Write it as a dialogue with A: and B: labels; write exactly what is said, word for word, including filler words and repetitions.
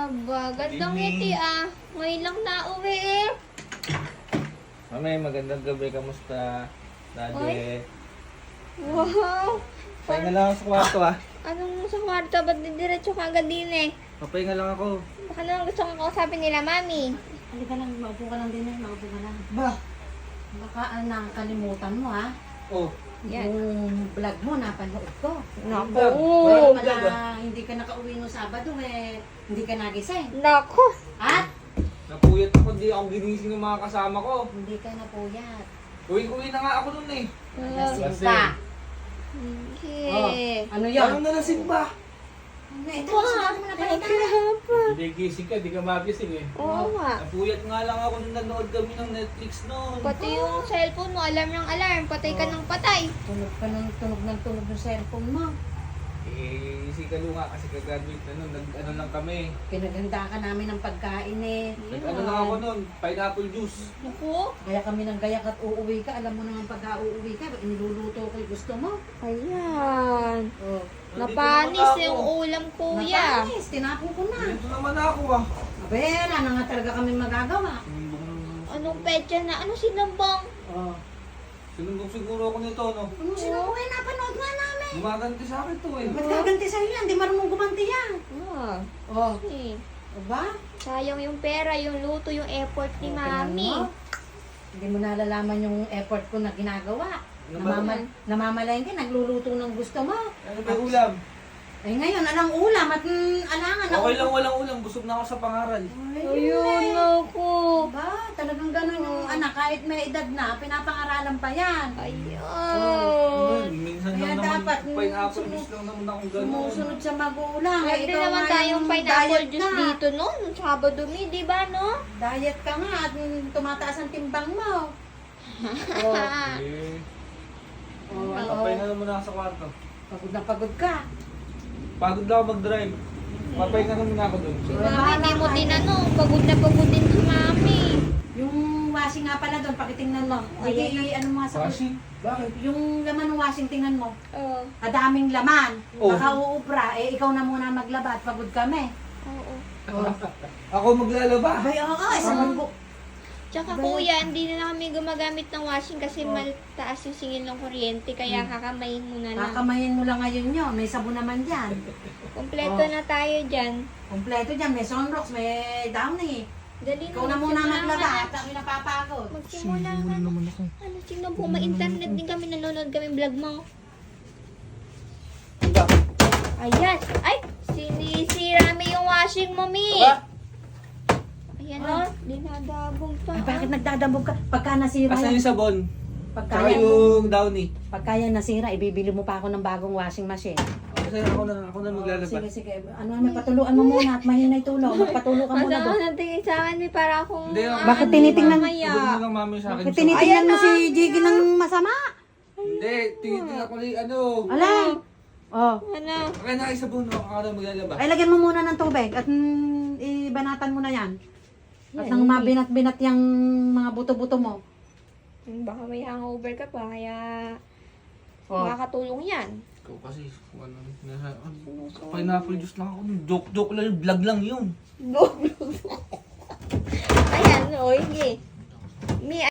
A: Aba, gandang
B: Good evening.
A: ngiti ah. Ngayon lang nauwi eh.
B: Mami, magandang gabi. Kamusta? Daddy.
A: Oy. Wow.
B: Pahinga lang ako sa kwarto ah.
A: Anong sa kwarto? Ba't didiretso ka agad din eh?
B: Papahinga lang ako.
A: Baka naman gusto kong kausapin nila, mami.
C: Halika lang, maupo ka lang din eh, maupo ka lang.
B: Ba?
C: Baka ah, nakakalimutan mo ha.
B: Oh.
A: Yan.
C: Yung vlog mo, napanood ko.
A: Naku.
C: Kaya
B: Vlog
C: pala
B: ah.
C: hindi ka nakauwi no Sabado eh, hindi ka nagising.
A: Naku.
C: At
B: Napuyat ako. Di ako ginising ng mga kasama ko.
C: hindi ka napuyat.
B: Uwi-uwi na nga ako nun eh.
C: Lasing
B: Lasing.
C: ka.
A: Okay.
C: Ano
B: Anong
C: yun?
B: nalasing ba?
C: Ano, ito, sinabi mo na pala ito.
B: Hindi gising ka. Di ka magising eh.
A: Oo nga.
B: Napuyat nga lang ako nung nanood kami ng Netflix noon.
A: Pati yung cellphone mo, alarm ng alarm. Patay ka ng patay.
C: Tunog ka ng tunog ng tunog ng cellphone mo.
B: Eh, si Kalu nga kasi kagraduate na nun. Nag-ano lang kami.
C: Pinaganda ka namin ng pagkain eh.
B: Nag-ano lang ako nun. Pineapple juice.
A: Naku.
C: Kaya kami nang gayak at uuwi ka. Alam mo naman pagka uuwi ka, iniluluto ko yung gusto mo.
A: Ayan.
C: Oh.
A: Napanis
B: Nandito naman
A: yung
B: ako.
A: ulam, kuya.
C: Napanis, tinapon ko na.
B: Dito naman ako ah.
C: Abela, na nga talaga kami magagawa.
A: Anong petsa na? Ano sinabang?
C: Oh.
B: Sinumbong siguro ako nito, no?
C: Ano sinabi? Uy, napanood nga namin.
B: Gumaganti sa akin to eh.
C: Ba't gaganti sa'yo yan? Di marunong gumanti yan.
A: Ah.
C: Oh.
A: Eh.
C: Aba?
A: Sayang yung pera, yung luto, yung effort ni mami.
C: Tingnan mo. Hindi mo nalalaman yung effort ko na ginagawa.
B: Ano ba?
C: Namamal namamalayan ka, nagluluto ng gusto mo.
B: Ano ba yung ulam?
C: Ay ngayon, alang ulam at mm, alangan.
B: Okay lang walang ulam. Busog na ako sa pangaral.
A: Ayun ako.
C: Ba, talagang ganun yung anak, kahit may edad na, pinapangaralan pa yan.
A: Ayun.
B: Minsan
C: Kaya
B: lang naman,
C: dapat, mm,
B: pineapple
C: sumu-
B: juice lang naman akong gano'n.
C: Sumusunod sa magulang.
A: Pwede
C: Ikaw
A: naman
C: nga
A: tayong
C: yung
A: pineapple
C: diet
A: juice
C: na.
A: dito, no? Nung Sabado mi, di ba, no?
C: Diet ka nga at mm, tumataas ang timbang mo. oh,
B: Eh,
C: oh,
B: kapay
C: ano,
B: na naman ako sa kwarto.
C: pagod na pagod ka.
B: Pagod lang ako mag-drive. Papay na naman ako dun.
A: Si mami, hindi mo tinanong. Pagod na pagod din si mami.
C: Yung washing nga pala doon, pakitingnan mo. Sige,
A: Ayan.
C: ano mo nga sa...
B: Washing? Bakit?
C: Yung laman ng washing, tingnan mo.
A: Oo.
C: Kadaming laman.
B: Oh.
C: Baka uubra, eh ikaw na muna maglaba at pagod kami.
A: Oo.
B: Ako maglalaba.
C: Abay, oo, oh, isang bu-
A: Tsaka kuya, hindi na kami gumagamit ng washing kasi mataas yung singil ng kuryente. Kaya kakamayin mo na lang.
C: Kakamayin mo lang ngayon yun. May sabon naman dyan.
A: Kompleto
C: Oh.
A: na tayo dyan.
C: Kompleto dyan. May sunrocks, may downy.
A: Dali
C: Ikaw na muna maglaba at kami napapagod.
A: Magsimula ka na.
B: naman ako.
A: Ano, sino po? May internet din kami. Nanonood kami vlog mo.
B: Aba.
A: Ayan. Ay! Sinisira mi yung washing mo, mi.
B: Aba.
A: Ayan o. Dinadabog pa.
C: Ay, bakit nagdadambog ka? Pagka nasira
B: Asan
C: yan,
B: yung sabon?
C: pagka,
B: Tsaka
C: yan,
B: yung downy.
C: pagka yan nasira, ibibili mo pa ako ng bagong washing machine.
B: Kasi ako na, ako na maglalaba.
C: Sige, sige. Ano, may patuluan mo muna at mahinay tulong. Magpatulo ka muna
A: Ano
C: doon.
A: ka tingin sa akin, mi? Para akong...
B: Hindi,
A: ah,
C: Bakit
A: ano,
C: tinitingnan-
A: mamaya.
B: Sabon mo lang mami sa akin.
C: Bakit
B: so-
C: tinitingnan
A: Ayan
C: mo
A: na,
C: si Jiggy ng masama?
B: Hindi, tinitingnan ako ni ano.
C: Alay! Oh.
A: Ano?
B: Okay na yung sabon ako. Ako na maglalaba.
C: Ay, lagyan mo muna ng tubig at mm, ibanatan mo na yan. At
A: Yan,
C: nang
A: hindi.
C: mabinat-binat yung mga buto-buto mo.
A: Hmm, Baka may hangover ka pa, kaya...
C: Oh.
A: Makakatulong yan.
B: Ikaw kasi, kung ano, nasa, pineapple juice lang ako. Joke-joke lang yun, vlog lang yun.
A: Go, go, go. Ayan, o, hindi. Mi,